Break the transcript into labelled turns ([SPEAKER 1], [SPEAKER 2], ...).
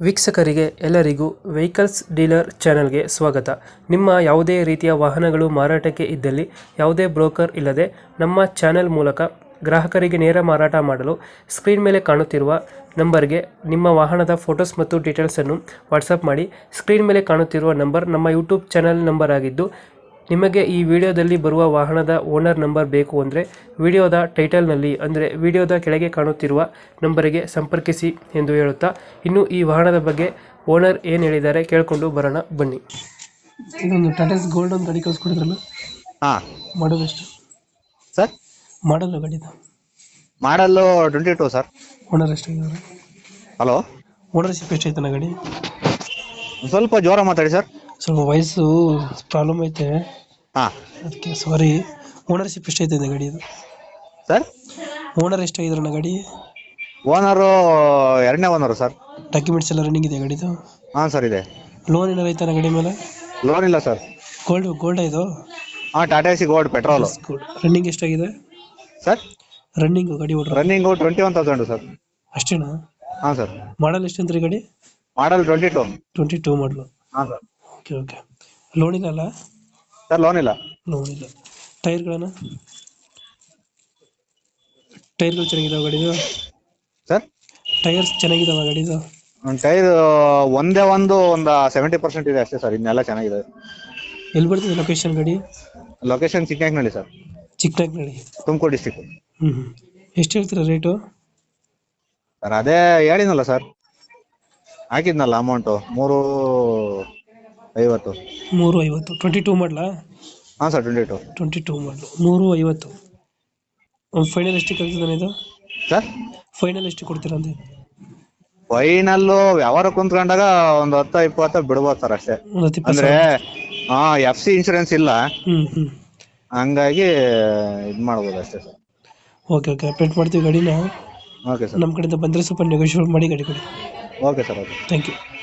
[SPEAKER 1] ವೀಕ್ಷಕರಿಗೆ ಎಲ್ಲರಿಗೂ vehicles dealer ಚಾನೆಲ್ಗೆ ಸ್ವಾಗತ. ನಿಮ್ಮ ಯಾವುದೇ ರೀತಿಯ ವಾಹನಗಳು ಮಾರಾಟಕ್ಕೆ ಇದ್ದಲ್ಲಿ ಯಾವುದೇ ಬ್ರೋಕರ್ ಇಲ್ಲದೆ ನಮ್ಮ ಚಾನೆಲ್ ಮೂಲಕ ಗ್ರಾಹಕರಿಗೆ ನೇರ ಮಾರಾಟ ಮಾಡಲು ಸ್ಕ್ರೀನ್ ಮೇಲೆ ಕಾಣುತ್ತಿರುವ ನಂಬರ್ಗೆ ನಿಮ್ಮ ವಾಹನದ ಫೋಟೋಸ್ ಮತ್ತು ಡೀಟೇಲ್ಸನ್ನು ವಾಟ್ಸಪ್ ಮಾಡಿ. ಸ್ಕ್ರೀನ್ ಮೇಲೆ ಕಾಣುತ್ತಿರುವ ನಂಬರ್ ನಮ್ಮ ಯೂಟ್ಯೂಬ್ ಚಾನೆಲ್ ನಂಬರ್ ಆಗಿದ್ದು, ನಿಮಗೆ ಈ ವಿಡಿಯೋದಲ್ಲಿ ಬರುವ ವಾಹನದ ಓನರ್ ನಂಬರ್ ಬೇಕು ಅಂದರೆ ವಿಡಿಯೋದ ಟೈಟಲ್ನಲ್ಲಿ ಅಂದರೆ ವಿಡಿಯೋದ ಕೆಳಗೆ ಕಾಣುತ್ತಿರುವ ನಂಬರಿಗೆ ಸಂಪರ್ಕಿಸಿ ಎಂದು ಹೇಳುತ್ತಾ, ಇನ್ನು ಈ ವಾಹನದ ಬಗ್ಗೆ ಓನರ್ ಏನು ಹೇಳಿದ್ದಾರೆ ಕೇಳಿಕೊಂಡು ಬರೋಣ ಬನ್ನಿ. ಇದೊಂದು ಟಾಟಾಸ್ ಗೋಲ್ಡ್ ಒಂದು ಗಾಡಿ ಕಳಿಸ್ಕೊಡಿದ್ರಲ್ಲ,
[SPEAKER 2] ಹಾಂ
[SPEAKER 1] ಮಾಡೋದು ಎಷ್ಟು
[SPEAKER 2] ಸರ್?
[SPEAKER 1] ಮಾಡಲ್ಲ ಗಾಡಿದು?
[SPEAKER 2] ಮಾಡಲ್ಲು 22 ಸರ್.
[SPEAKER 1] ಓನರ್ ಎಷ್ಟಾಗಿದ್ದಾರೆ?
[SPEAKER 2] ಹಲೋ,
[SPEAKER 1] ಓನರ್ಶಿಪ್ ಎಷ್ಟೈತನ ಗಾಡಿ?
[SPEAKER 2] ಸ್ವಲ್ಪ ಜೋರ ಮಾತಾಡಿ ಸರ್.
[SPEAKER 1] ಸ್ವಲ್ಪ ವಯಸ್ಸು ಪ್ರಾಬ್ಲಮ್ ಐತೆ,
[SPEAKER 2] ಹಾಂ
[SPEAKER 1] ಅದಕ್ಕೆ ಸಾರಿ. ಓನರ್ಶಿಪ್ ಎಷ್ಟೈತೆ ಗಾಡಿದು
[SPEAKER 2] ಸರ್?
[SPEAKER 1] ಓನರ್ ಎಷ್ಟಾಗಿದ್ರಣ್ಣ ಗಾಡಿ?
[SPEAKER 2] ಓನರು ಎರಡನೇ ಓನರು ಸರ್.
[SPEAKER 1] ಡಾಕ್ಯುಮೆಂಟ್ಸ್ ಎಲ್ಲ ರನ್ನಿಂಗ್ ಇದೆ ಗಾಡಿದು?
[SPEAKER 2] ಹಾಂ ಸರ್ ಇದೆ.
[SPEAKER 1] ಲೋನ್ ಏನಾರು ಐತಾನ ಗಾಡಿ ಮೇಲೆ?
[SPEAKER 2] ಲೋನ್ ಇಲ್ಲ ಸರ್.
[SPEAKER 1] ಗೋಲ್ಡ್ ಇದು?
[SPEAKER 2] ಹಾಂ, Tata AC gold petrol.
[SPEAKER 1] Running ಎಷ್ಟಾಗಿದೆ
[SPEAKER 2] ಸರ್?
[SPEAKER 1] ರನ್ನಿಂಗ್ ಗಾಡಿ ಓಡ್ರ?
[SPEAKER 2] Running 21,000 sir.
[SPEAKER 1] ಅಷ್ಟೇನಾ?
[SPEAKER 2] ಹಾಂ ಸರ್.
[SPEAKER 1] ಮಾಡಲ್ ಎಷ್ಟು ಅಂತೀರಿ ಗಾಡಿ?
[SPEAKER 2] ಮಾಡಲ್ 22.
[SPEAKER 1] 22 ಮಾಡಲು.
[SPEAKER 2] ಹಾಂ ಸರ್.
[SPEAKER 1] Okay okay. ಲೋನ್ ಇಲ್ಲ ಅಲ್ಲ?
[SPEAKER 2] ಸರ್ ಲೋನ್ ಇಲ್ಲ.
[SPEAKER 1] ಲೋನ್ ಇಲ್ಲ. ಟೈರ್ಗಳು ಚೆನ್ನಾಗಿದಾವೆ ಗಾಡಿದು?
[SPEAKER 2] ಸರ್
[SPEAKER 1] ಟೈರ್ಸ್ ಚೆನ್ನಾಗಿದಾವ ಗಾಡಿದು?
[SPEAKER 2] ಟೈರ್ ಒಂದು 70% ಇದೆ ಅಷ್ಟೇ ಸರ್, ಇನ್ನೆಲ್ಲ ಚೆನ್ನಾಗಿದೆ.
[SPEAKER 1] ಎಲ್ಲಿ ಬರ್ತದೆ ಲೊಕೇಶನ್ ಗಾಡಿ?
[SPEAKER 2] Location Chikkanagnalli sir.
[SPEAKER 1] Chikkanagnalli, Tumakuru
[SPEAKER 2] Tumakuru district.
[SPEAKER 1] ಎಷ್ಟು ಹೇಳ್ತೀರಾ ರೇಟು?
[SPEAKER 2] ಸರ್ ಅದೇ ಹೇಳಿದ್ನಲ್ಲ ಸರ್, ಹಾಕಿದ್ನಲ್ಲ ಅಮೌಂಟು 350.
[SPEAKER 1] 350. 22 ಮಾಡಲಾ?
[SPEAKER 2] ಹಾಂ ಸರ್,
[SPEAKER 1] 22 ಮಾಡಲು 350. ಒಂದು ಫೈನಲ್ ಎಷ್ಟಕ್ಕೆ ಆಗ್ತದೆ ಇದು
[SPEAKER 2] ಸರ್?
[SPEAKER 1] ಫೈನಲ್ ಎಷ್ಟು ಕೊಡ್ತೀರಾ ಅಂತ?
[SPEAKER 2] ಫೈನಲ್ಲು ವ್ಯವಹಾರ ಕುಂತ್ಕೊಂಡಾಗ ಒಂದು 10-20 ಬಿಡ್ಬೋದು ಸರ್ ಅಷ್ಟೇ.
[SPEAKER 1] ಒಂದು 10-20
[SPEAKER 2] ಅಂದ್ರೆ FC ಇನ್ಶೂರೆನ್ಸ್ ಇಲ್ಲ, ಹಂಗಾಗಿ ಇದು ಮಾಡ್ಬೋದು ಅಷ್ಟೇ ಸರ್.
[SPEAKER 1] ಓಕೆ ಓಕೆ, ಅಪ್ಡೇಟ್ ಮಾಡ್ತೀವಿ ಗಾಡಿನ.
[SPEAKER 2] Okay sir.
[SPEAKER 1] ನಮ್ಮ ಕಡೆಯಿಂದ ಬಂದರೆ ಸ್ವಲ್ಪ ನೆಗೋಷಿಯೇಟ್ ಮಾಡಿ ಗಾಡಿ ಕೊಡಿ.
[SPEAKER 2] Okay sir, okay.
[SPEAKER 1] Thank you.